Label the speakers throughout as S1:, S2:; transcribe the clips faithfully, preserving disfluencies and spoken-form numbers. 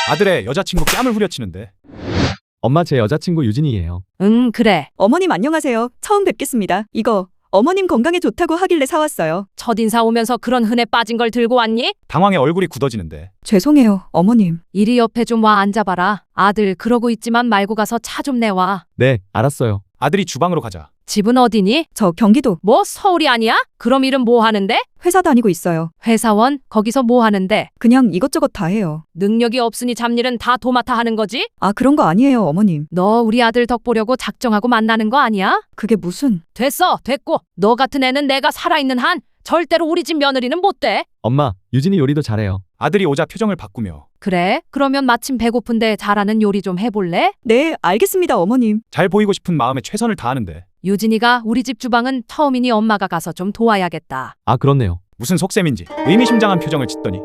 S1: 아들의 여자친구 뺨을 후려치는데.
S2: 엄마, 제 여자친구 유진이에요.
S3: 응, 그래.
S4: 어머님 안녕하세요. 처음 뵙겠습니다. 이거 어머님 건강에 좋다고 하길래 사왔어요.
S3: 첫인사 오면서 그런 흔해 빠진 걸 들고 왔니?
S1: 당황해 얼굴이 굳어지는데.
S4: 죄송해요, 어머님.
S3: 이리 옆에 좀 와 앉아봐라. 아들 그러고 있지만 말고 가서 차 좀 내와.
S2: 네, 알았어요.
S1: 아들이 주방으로 가자.
S3: 집은 어디니?
S4: 저 경기도
S3: 뭐 서울이 아니야? 그럼 일은 뭐 하는데?
S4: 회사 다니고 있어요.
S3: 회사원? 거기서 뭐 하는데?
S4: 그냥 이것저것 다 해요.
S3: 능력이 없으니 잡일은 다 도맡아 하는 거지?
S4: 아, 그런 거 아니에요, 어머님.
S3: 너 우리 아들 덕 보려고 작정하고 만나는 거 아니야?
S4: 그게 무슨...
S3: 됐어, 됐고. 너 같은 애는 내가 살아있는 한 절대로 우리 집 며느리는 못 돼.
S2: 엄마, 유진이 요리도 잘해요.
S1: 아들이 오자 표정을 바꾸며.
S3: 그래? 그러면 마침 배고픈데 잘하는 요리 좀 해볼래?
S4: 네, 알겠습니다, 어머님.
S1: 잘 보이고 싶은 마음에 최선을 다하는데.
S3: 유진이가 우리 집 주방은 처음이니 엄마가 가서 좀 도와야겠다.
S2: 아, 그렇네요.
S1: 무슨 속셈인지 의미심장한 표정을 짓더니.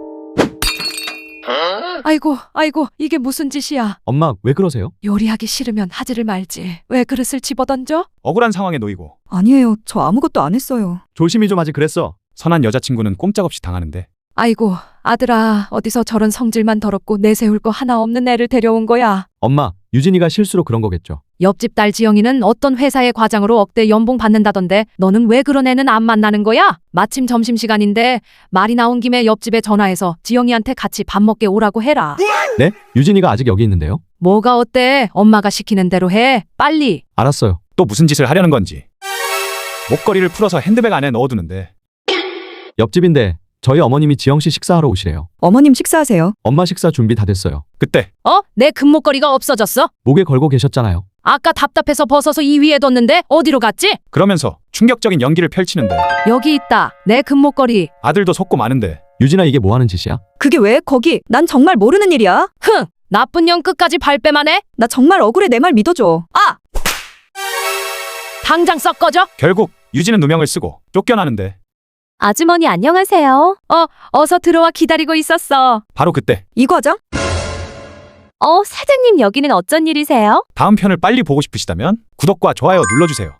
S3: 아이고, 아이고, 이게 무슨 짓이야.
S2: 엄마, 왜 그러세요?
S3: 요리하기 싫으면 하지를 말지. 왜 그릇을 집어던져?
S1: 억울한 상황에 놓이고.
S4: 아니에요, 저 아무것도 안 했어요.
S2: 조심히 좀 하지 그랬어.
S1: 선한 여자친구는 꼼짝없이 당하는데.
S3: 아이고, 아들아, 어디서 저런 성질만 더럽고 내세울 거 하나 없는 애를 데려온 거야.
S2: 엄마, 유진이가 실수로 그런 거겠죠.
S3: 옆집 딸 지영이는 어떤 회사의 과장으로 억대 연봉 받는다던데 너는 왜 그런 애는 안 만나는 거야? 마침 점심시간인데 말이 나온 김에 옆집에 전화해서 지영이한테 같이 밥 먹게 오라고 해라.
S2: 네? 유진이가 아직 여기 있는데요?
S3: 뭐가 어때? 엄마가 시키는 대로 해. 빨리.
S2: 알았어요.
S1: 또 무슨 짓을 하려는 건지. 목걸이를 풀어서 핸드백 안에 넣어두는데.
S2: 옆집인데 저희 어머님이 지영씨 식사하러 오시래요.
S4: 어머님 식사하세요.
S2: 엄마 식사 준비 다 됐어요.
S1: 그때
S3: 어? 내 금목걸이가 없어졌어?
S2: 목에 걸고 계셨잖아요.
S3: 아까 답답해서 벗어서 이 위에 뒀는데 어디로 갔지?
S1: 그러면서 충격적인 연기를 펼치는데.
S3: 여기 있다. 내 금목걸이.
S1: 아들도 속고 마는데.
S2: 유진아, 이게 뭐 하는 짓이야?
S4: 그게 왜 거기? 난 정말 모르는 일이야.
S3: 흥! 나쁜 년 끝까지 발뺌만 해?
S4: 나 정말 억울해, 내 말 믿어줘.
S3: 아! 당장 썩 꺼져?
S1: 결국 유진은 누명을 쓰고 쫓겨나는데.
S3: 아주머니 안녕하세요. 어, 어서 들어와 기다리고 있었어.
S1: 바로 그때
S4: 이 과장?
S3: 어, 사장님 여기는 어쩐 일이세요?
S1: 다음 편을 빨리 보고 싶으시다면 구독과 좋아요 눌러주세요.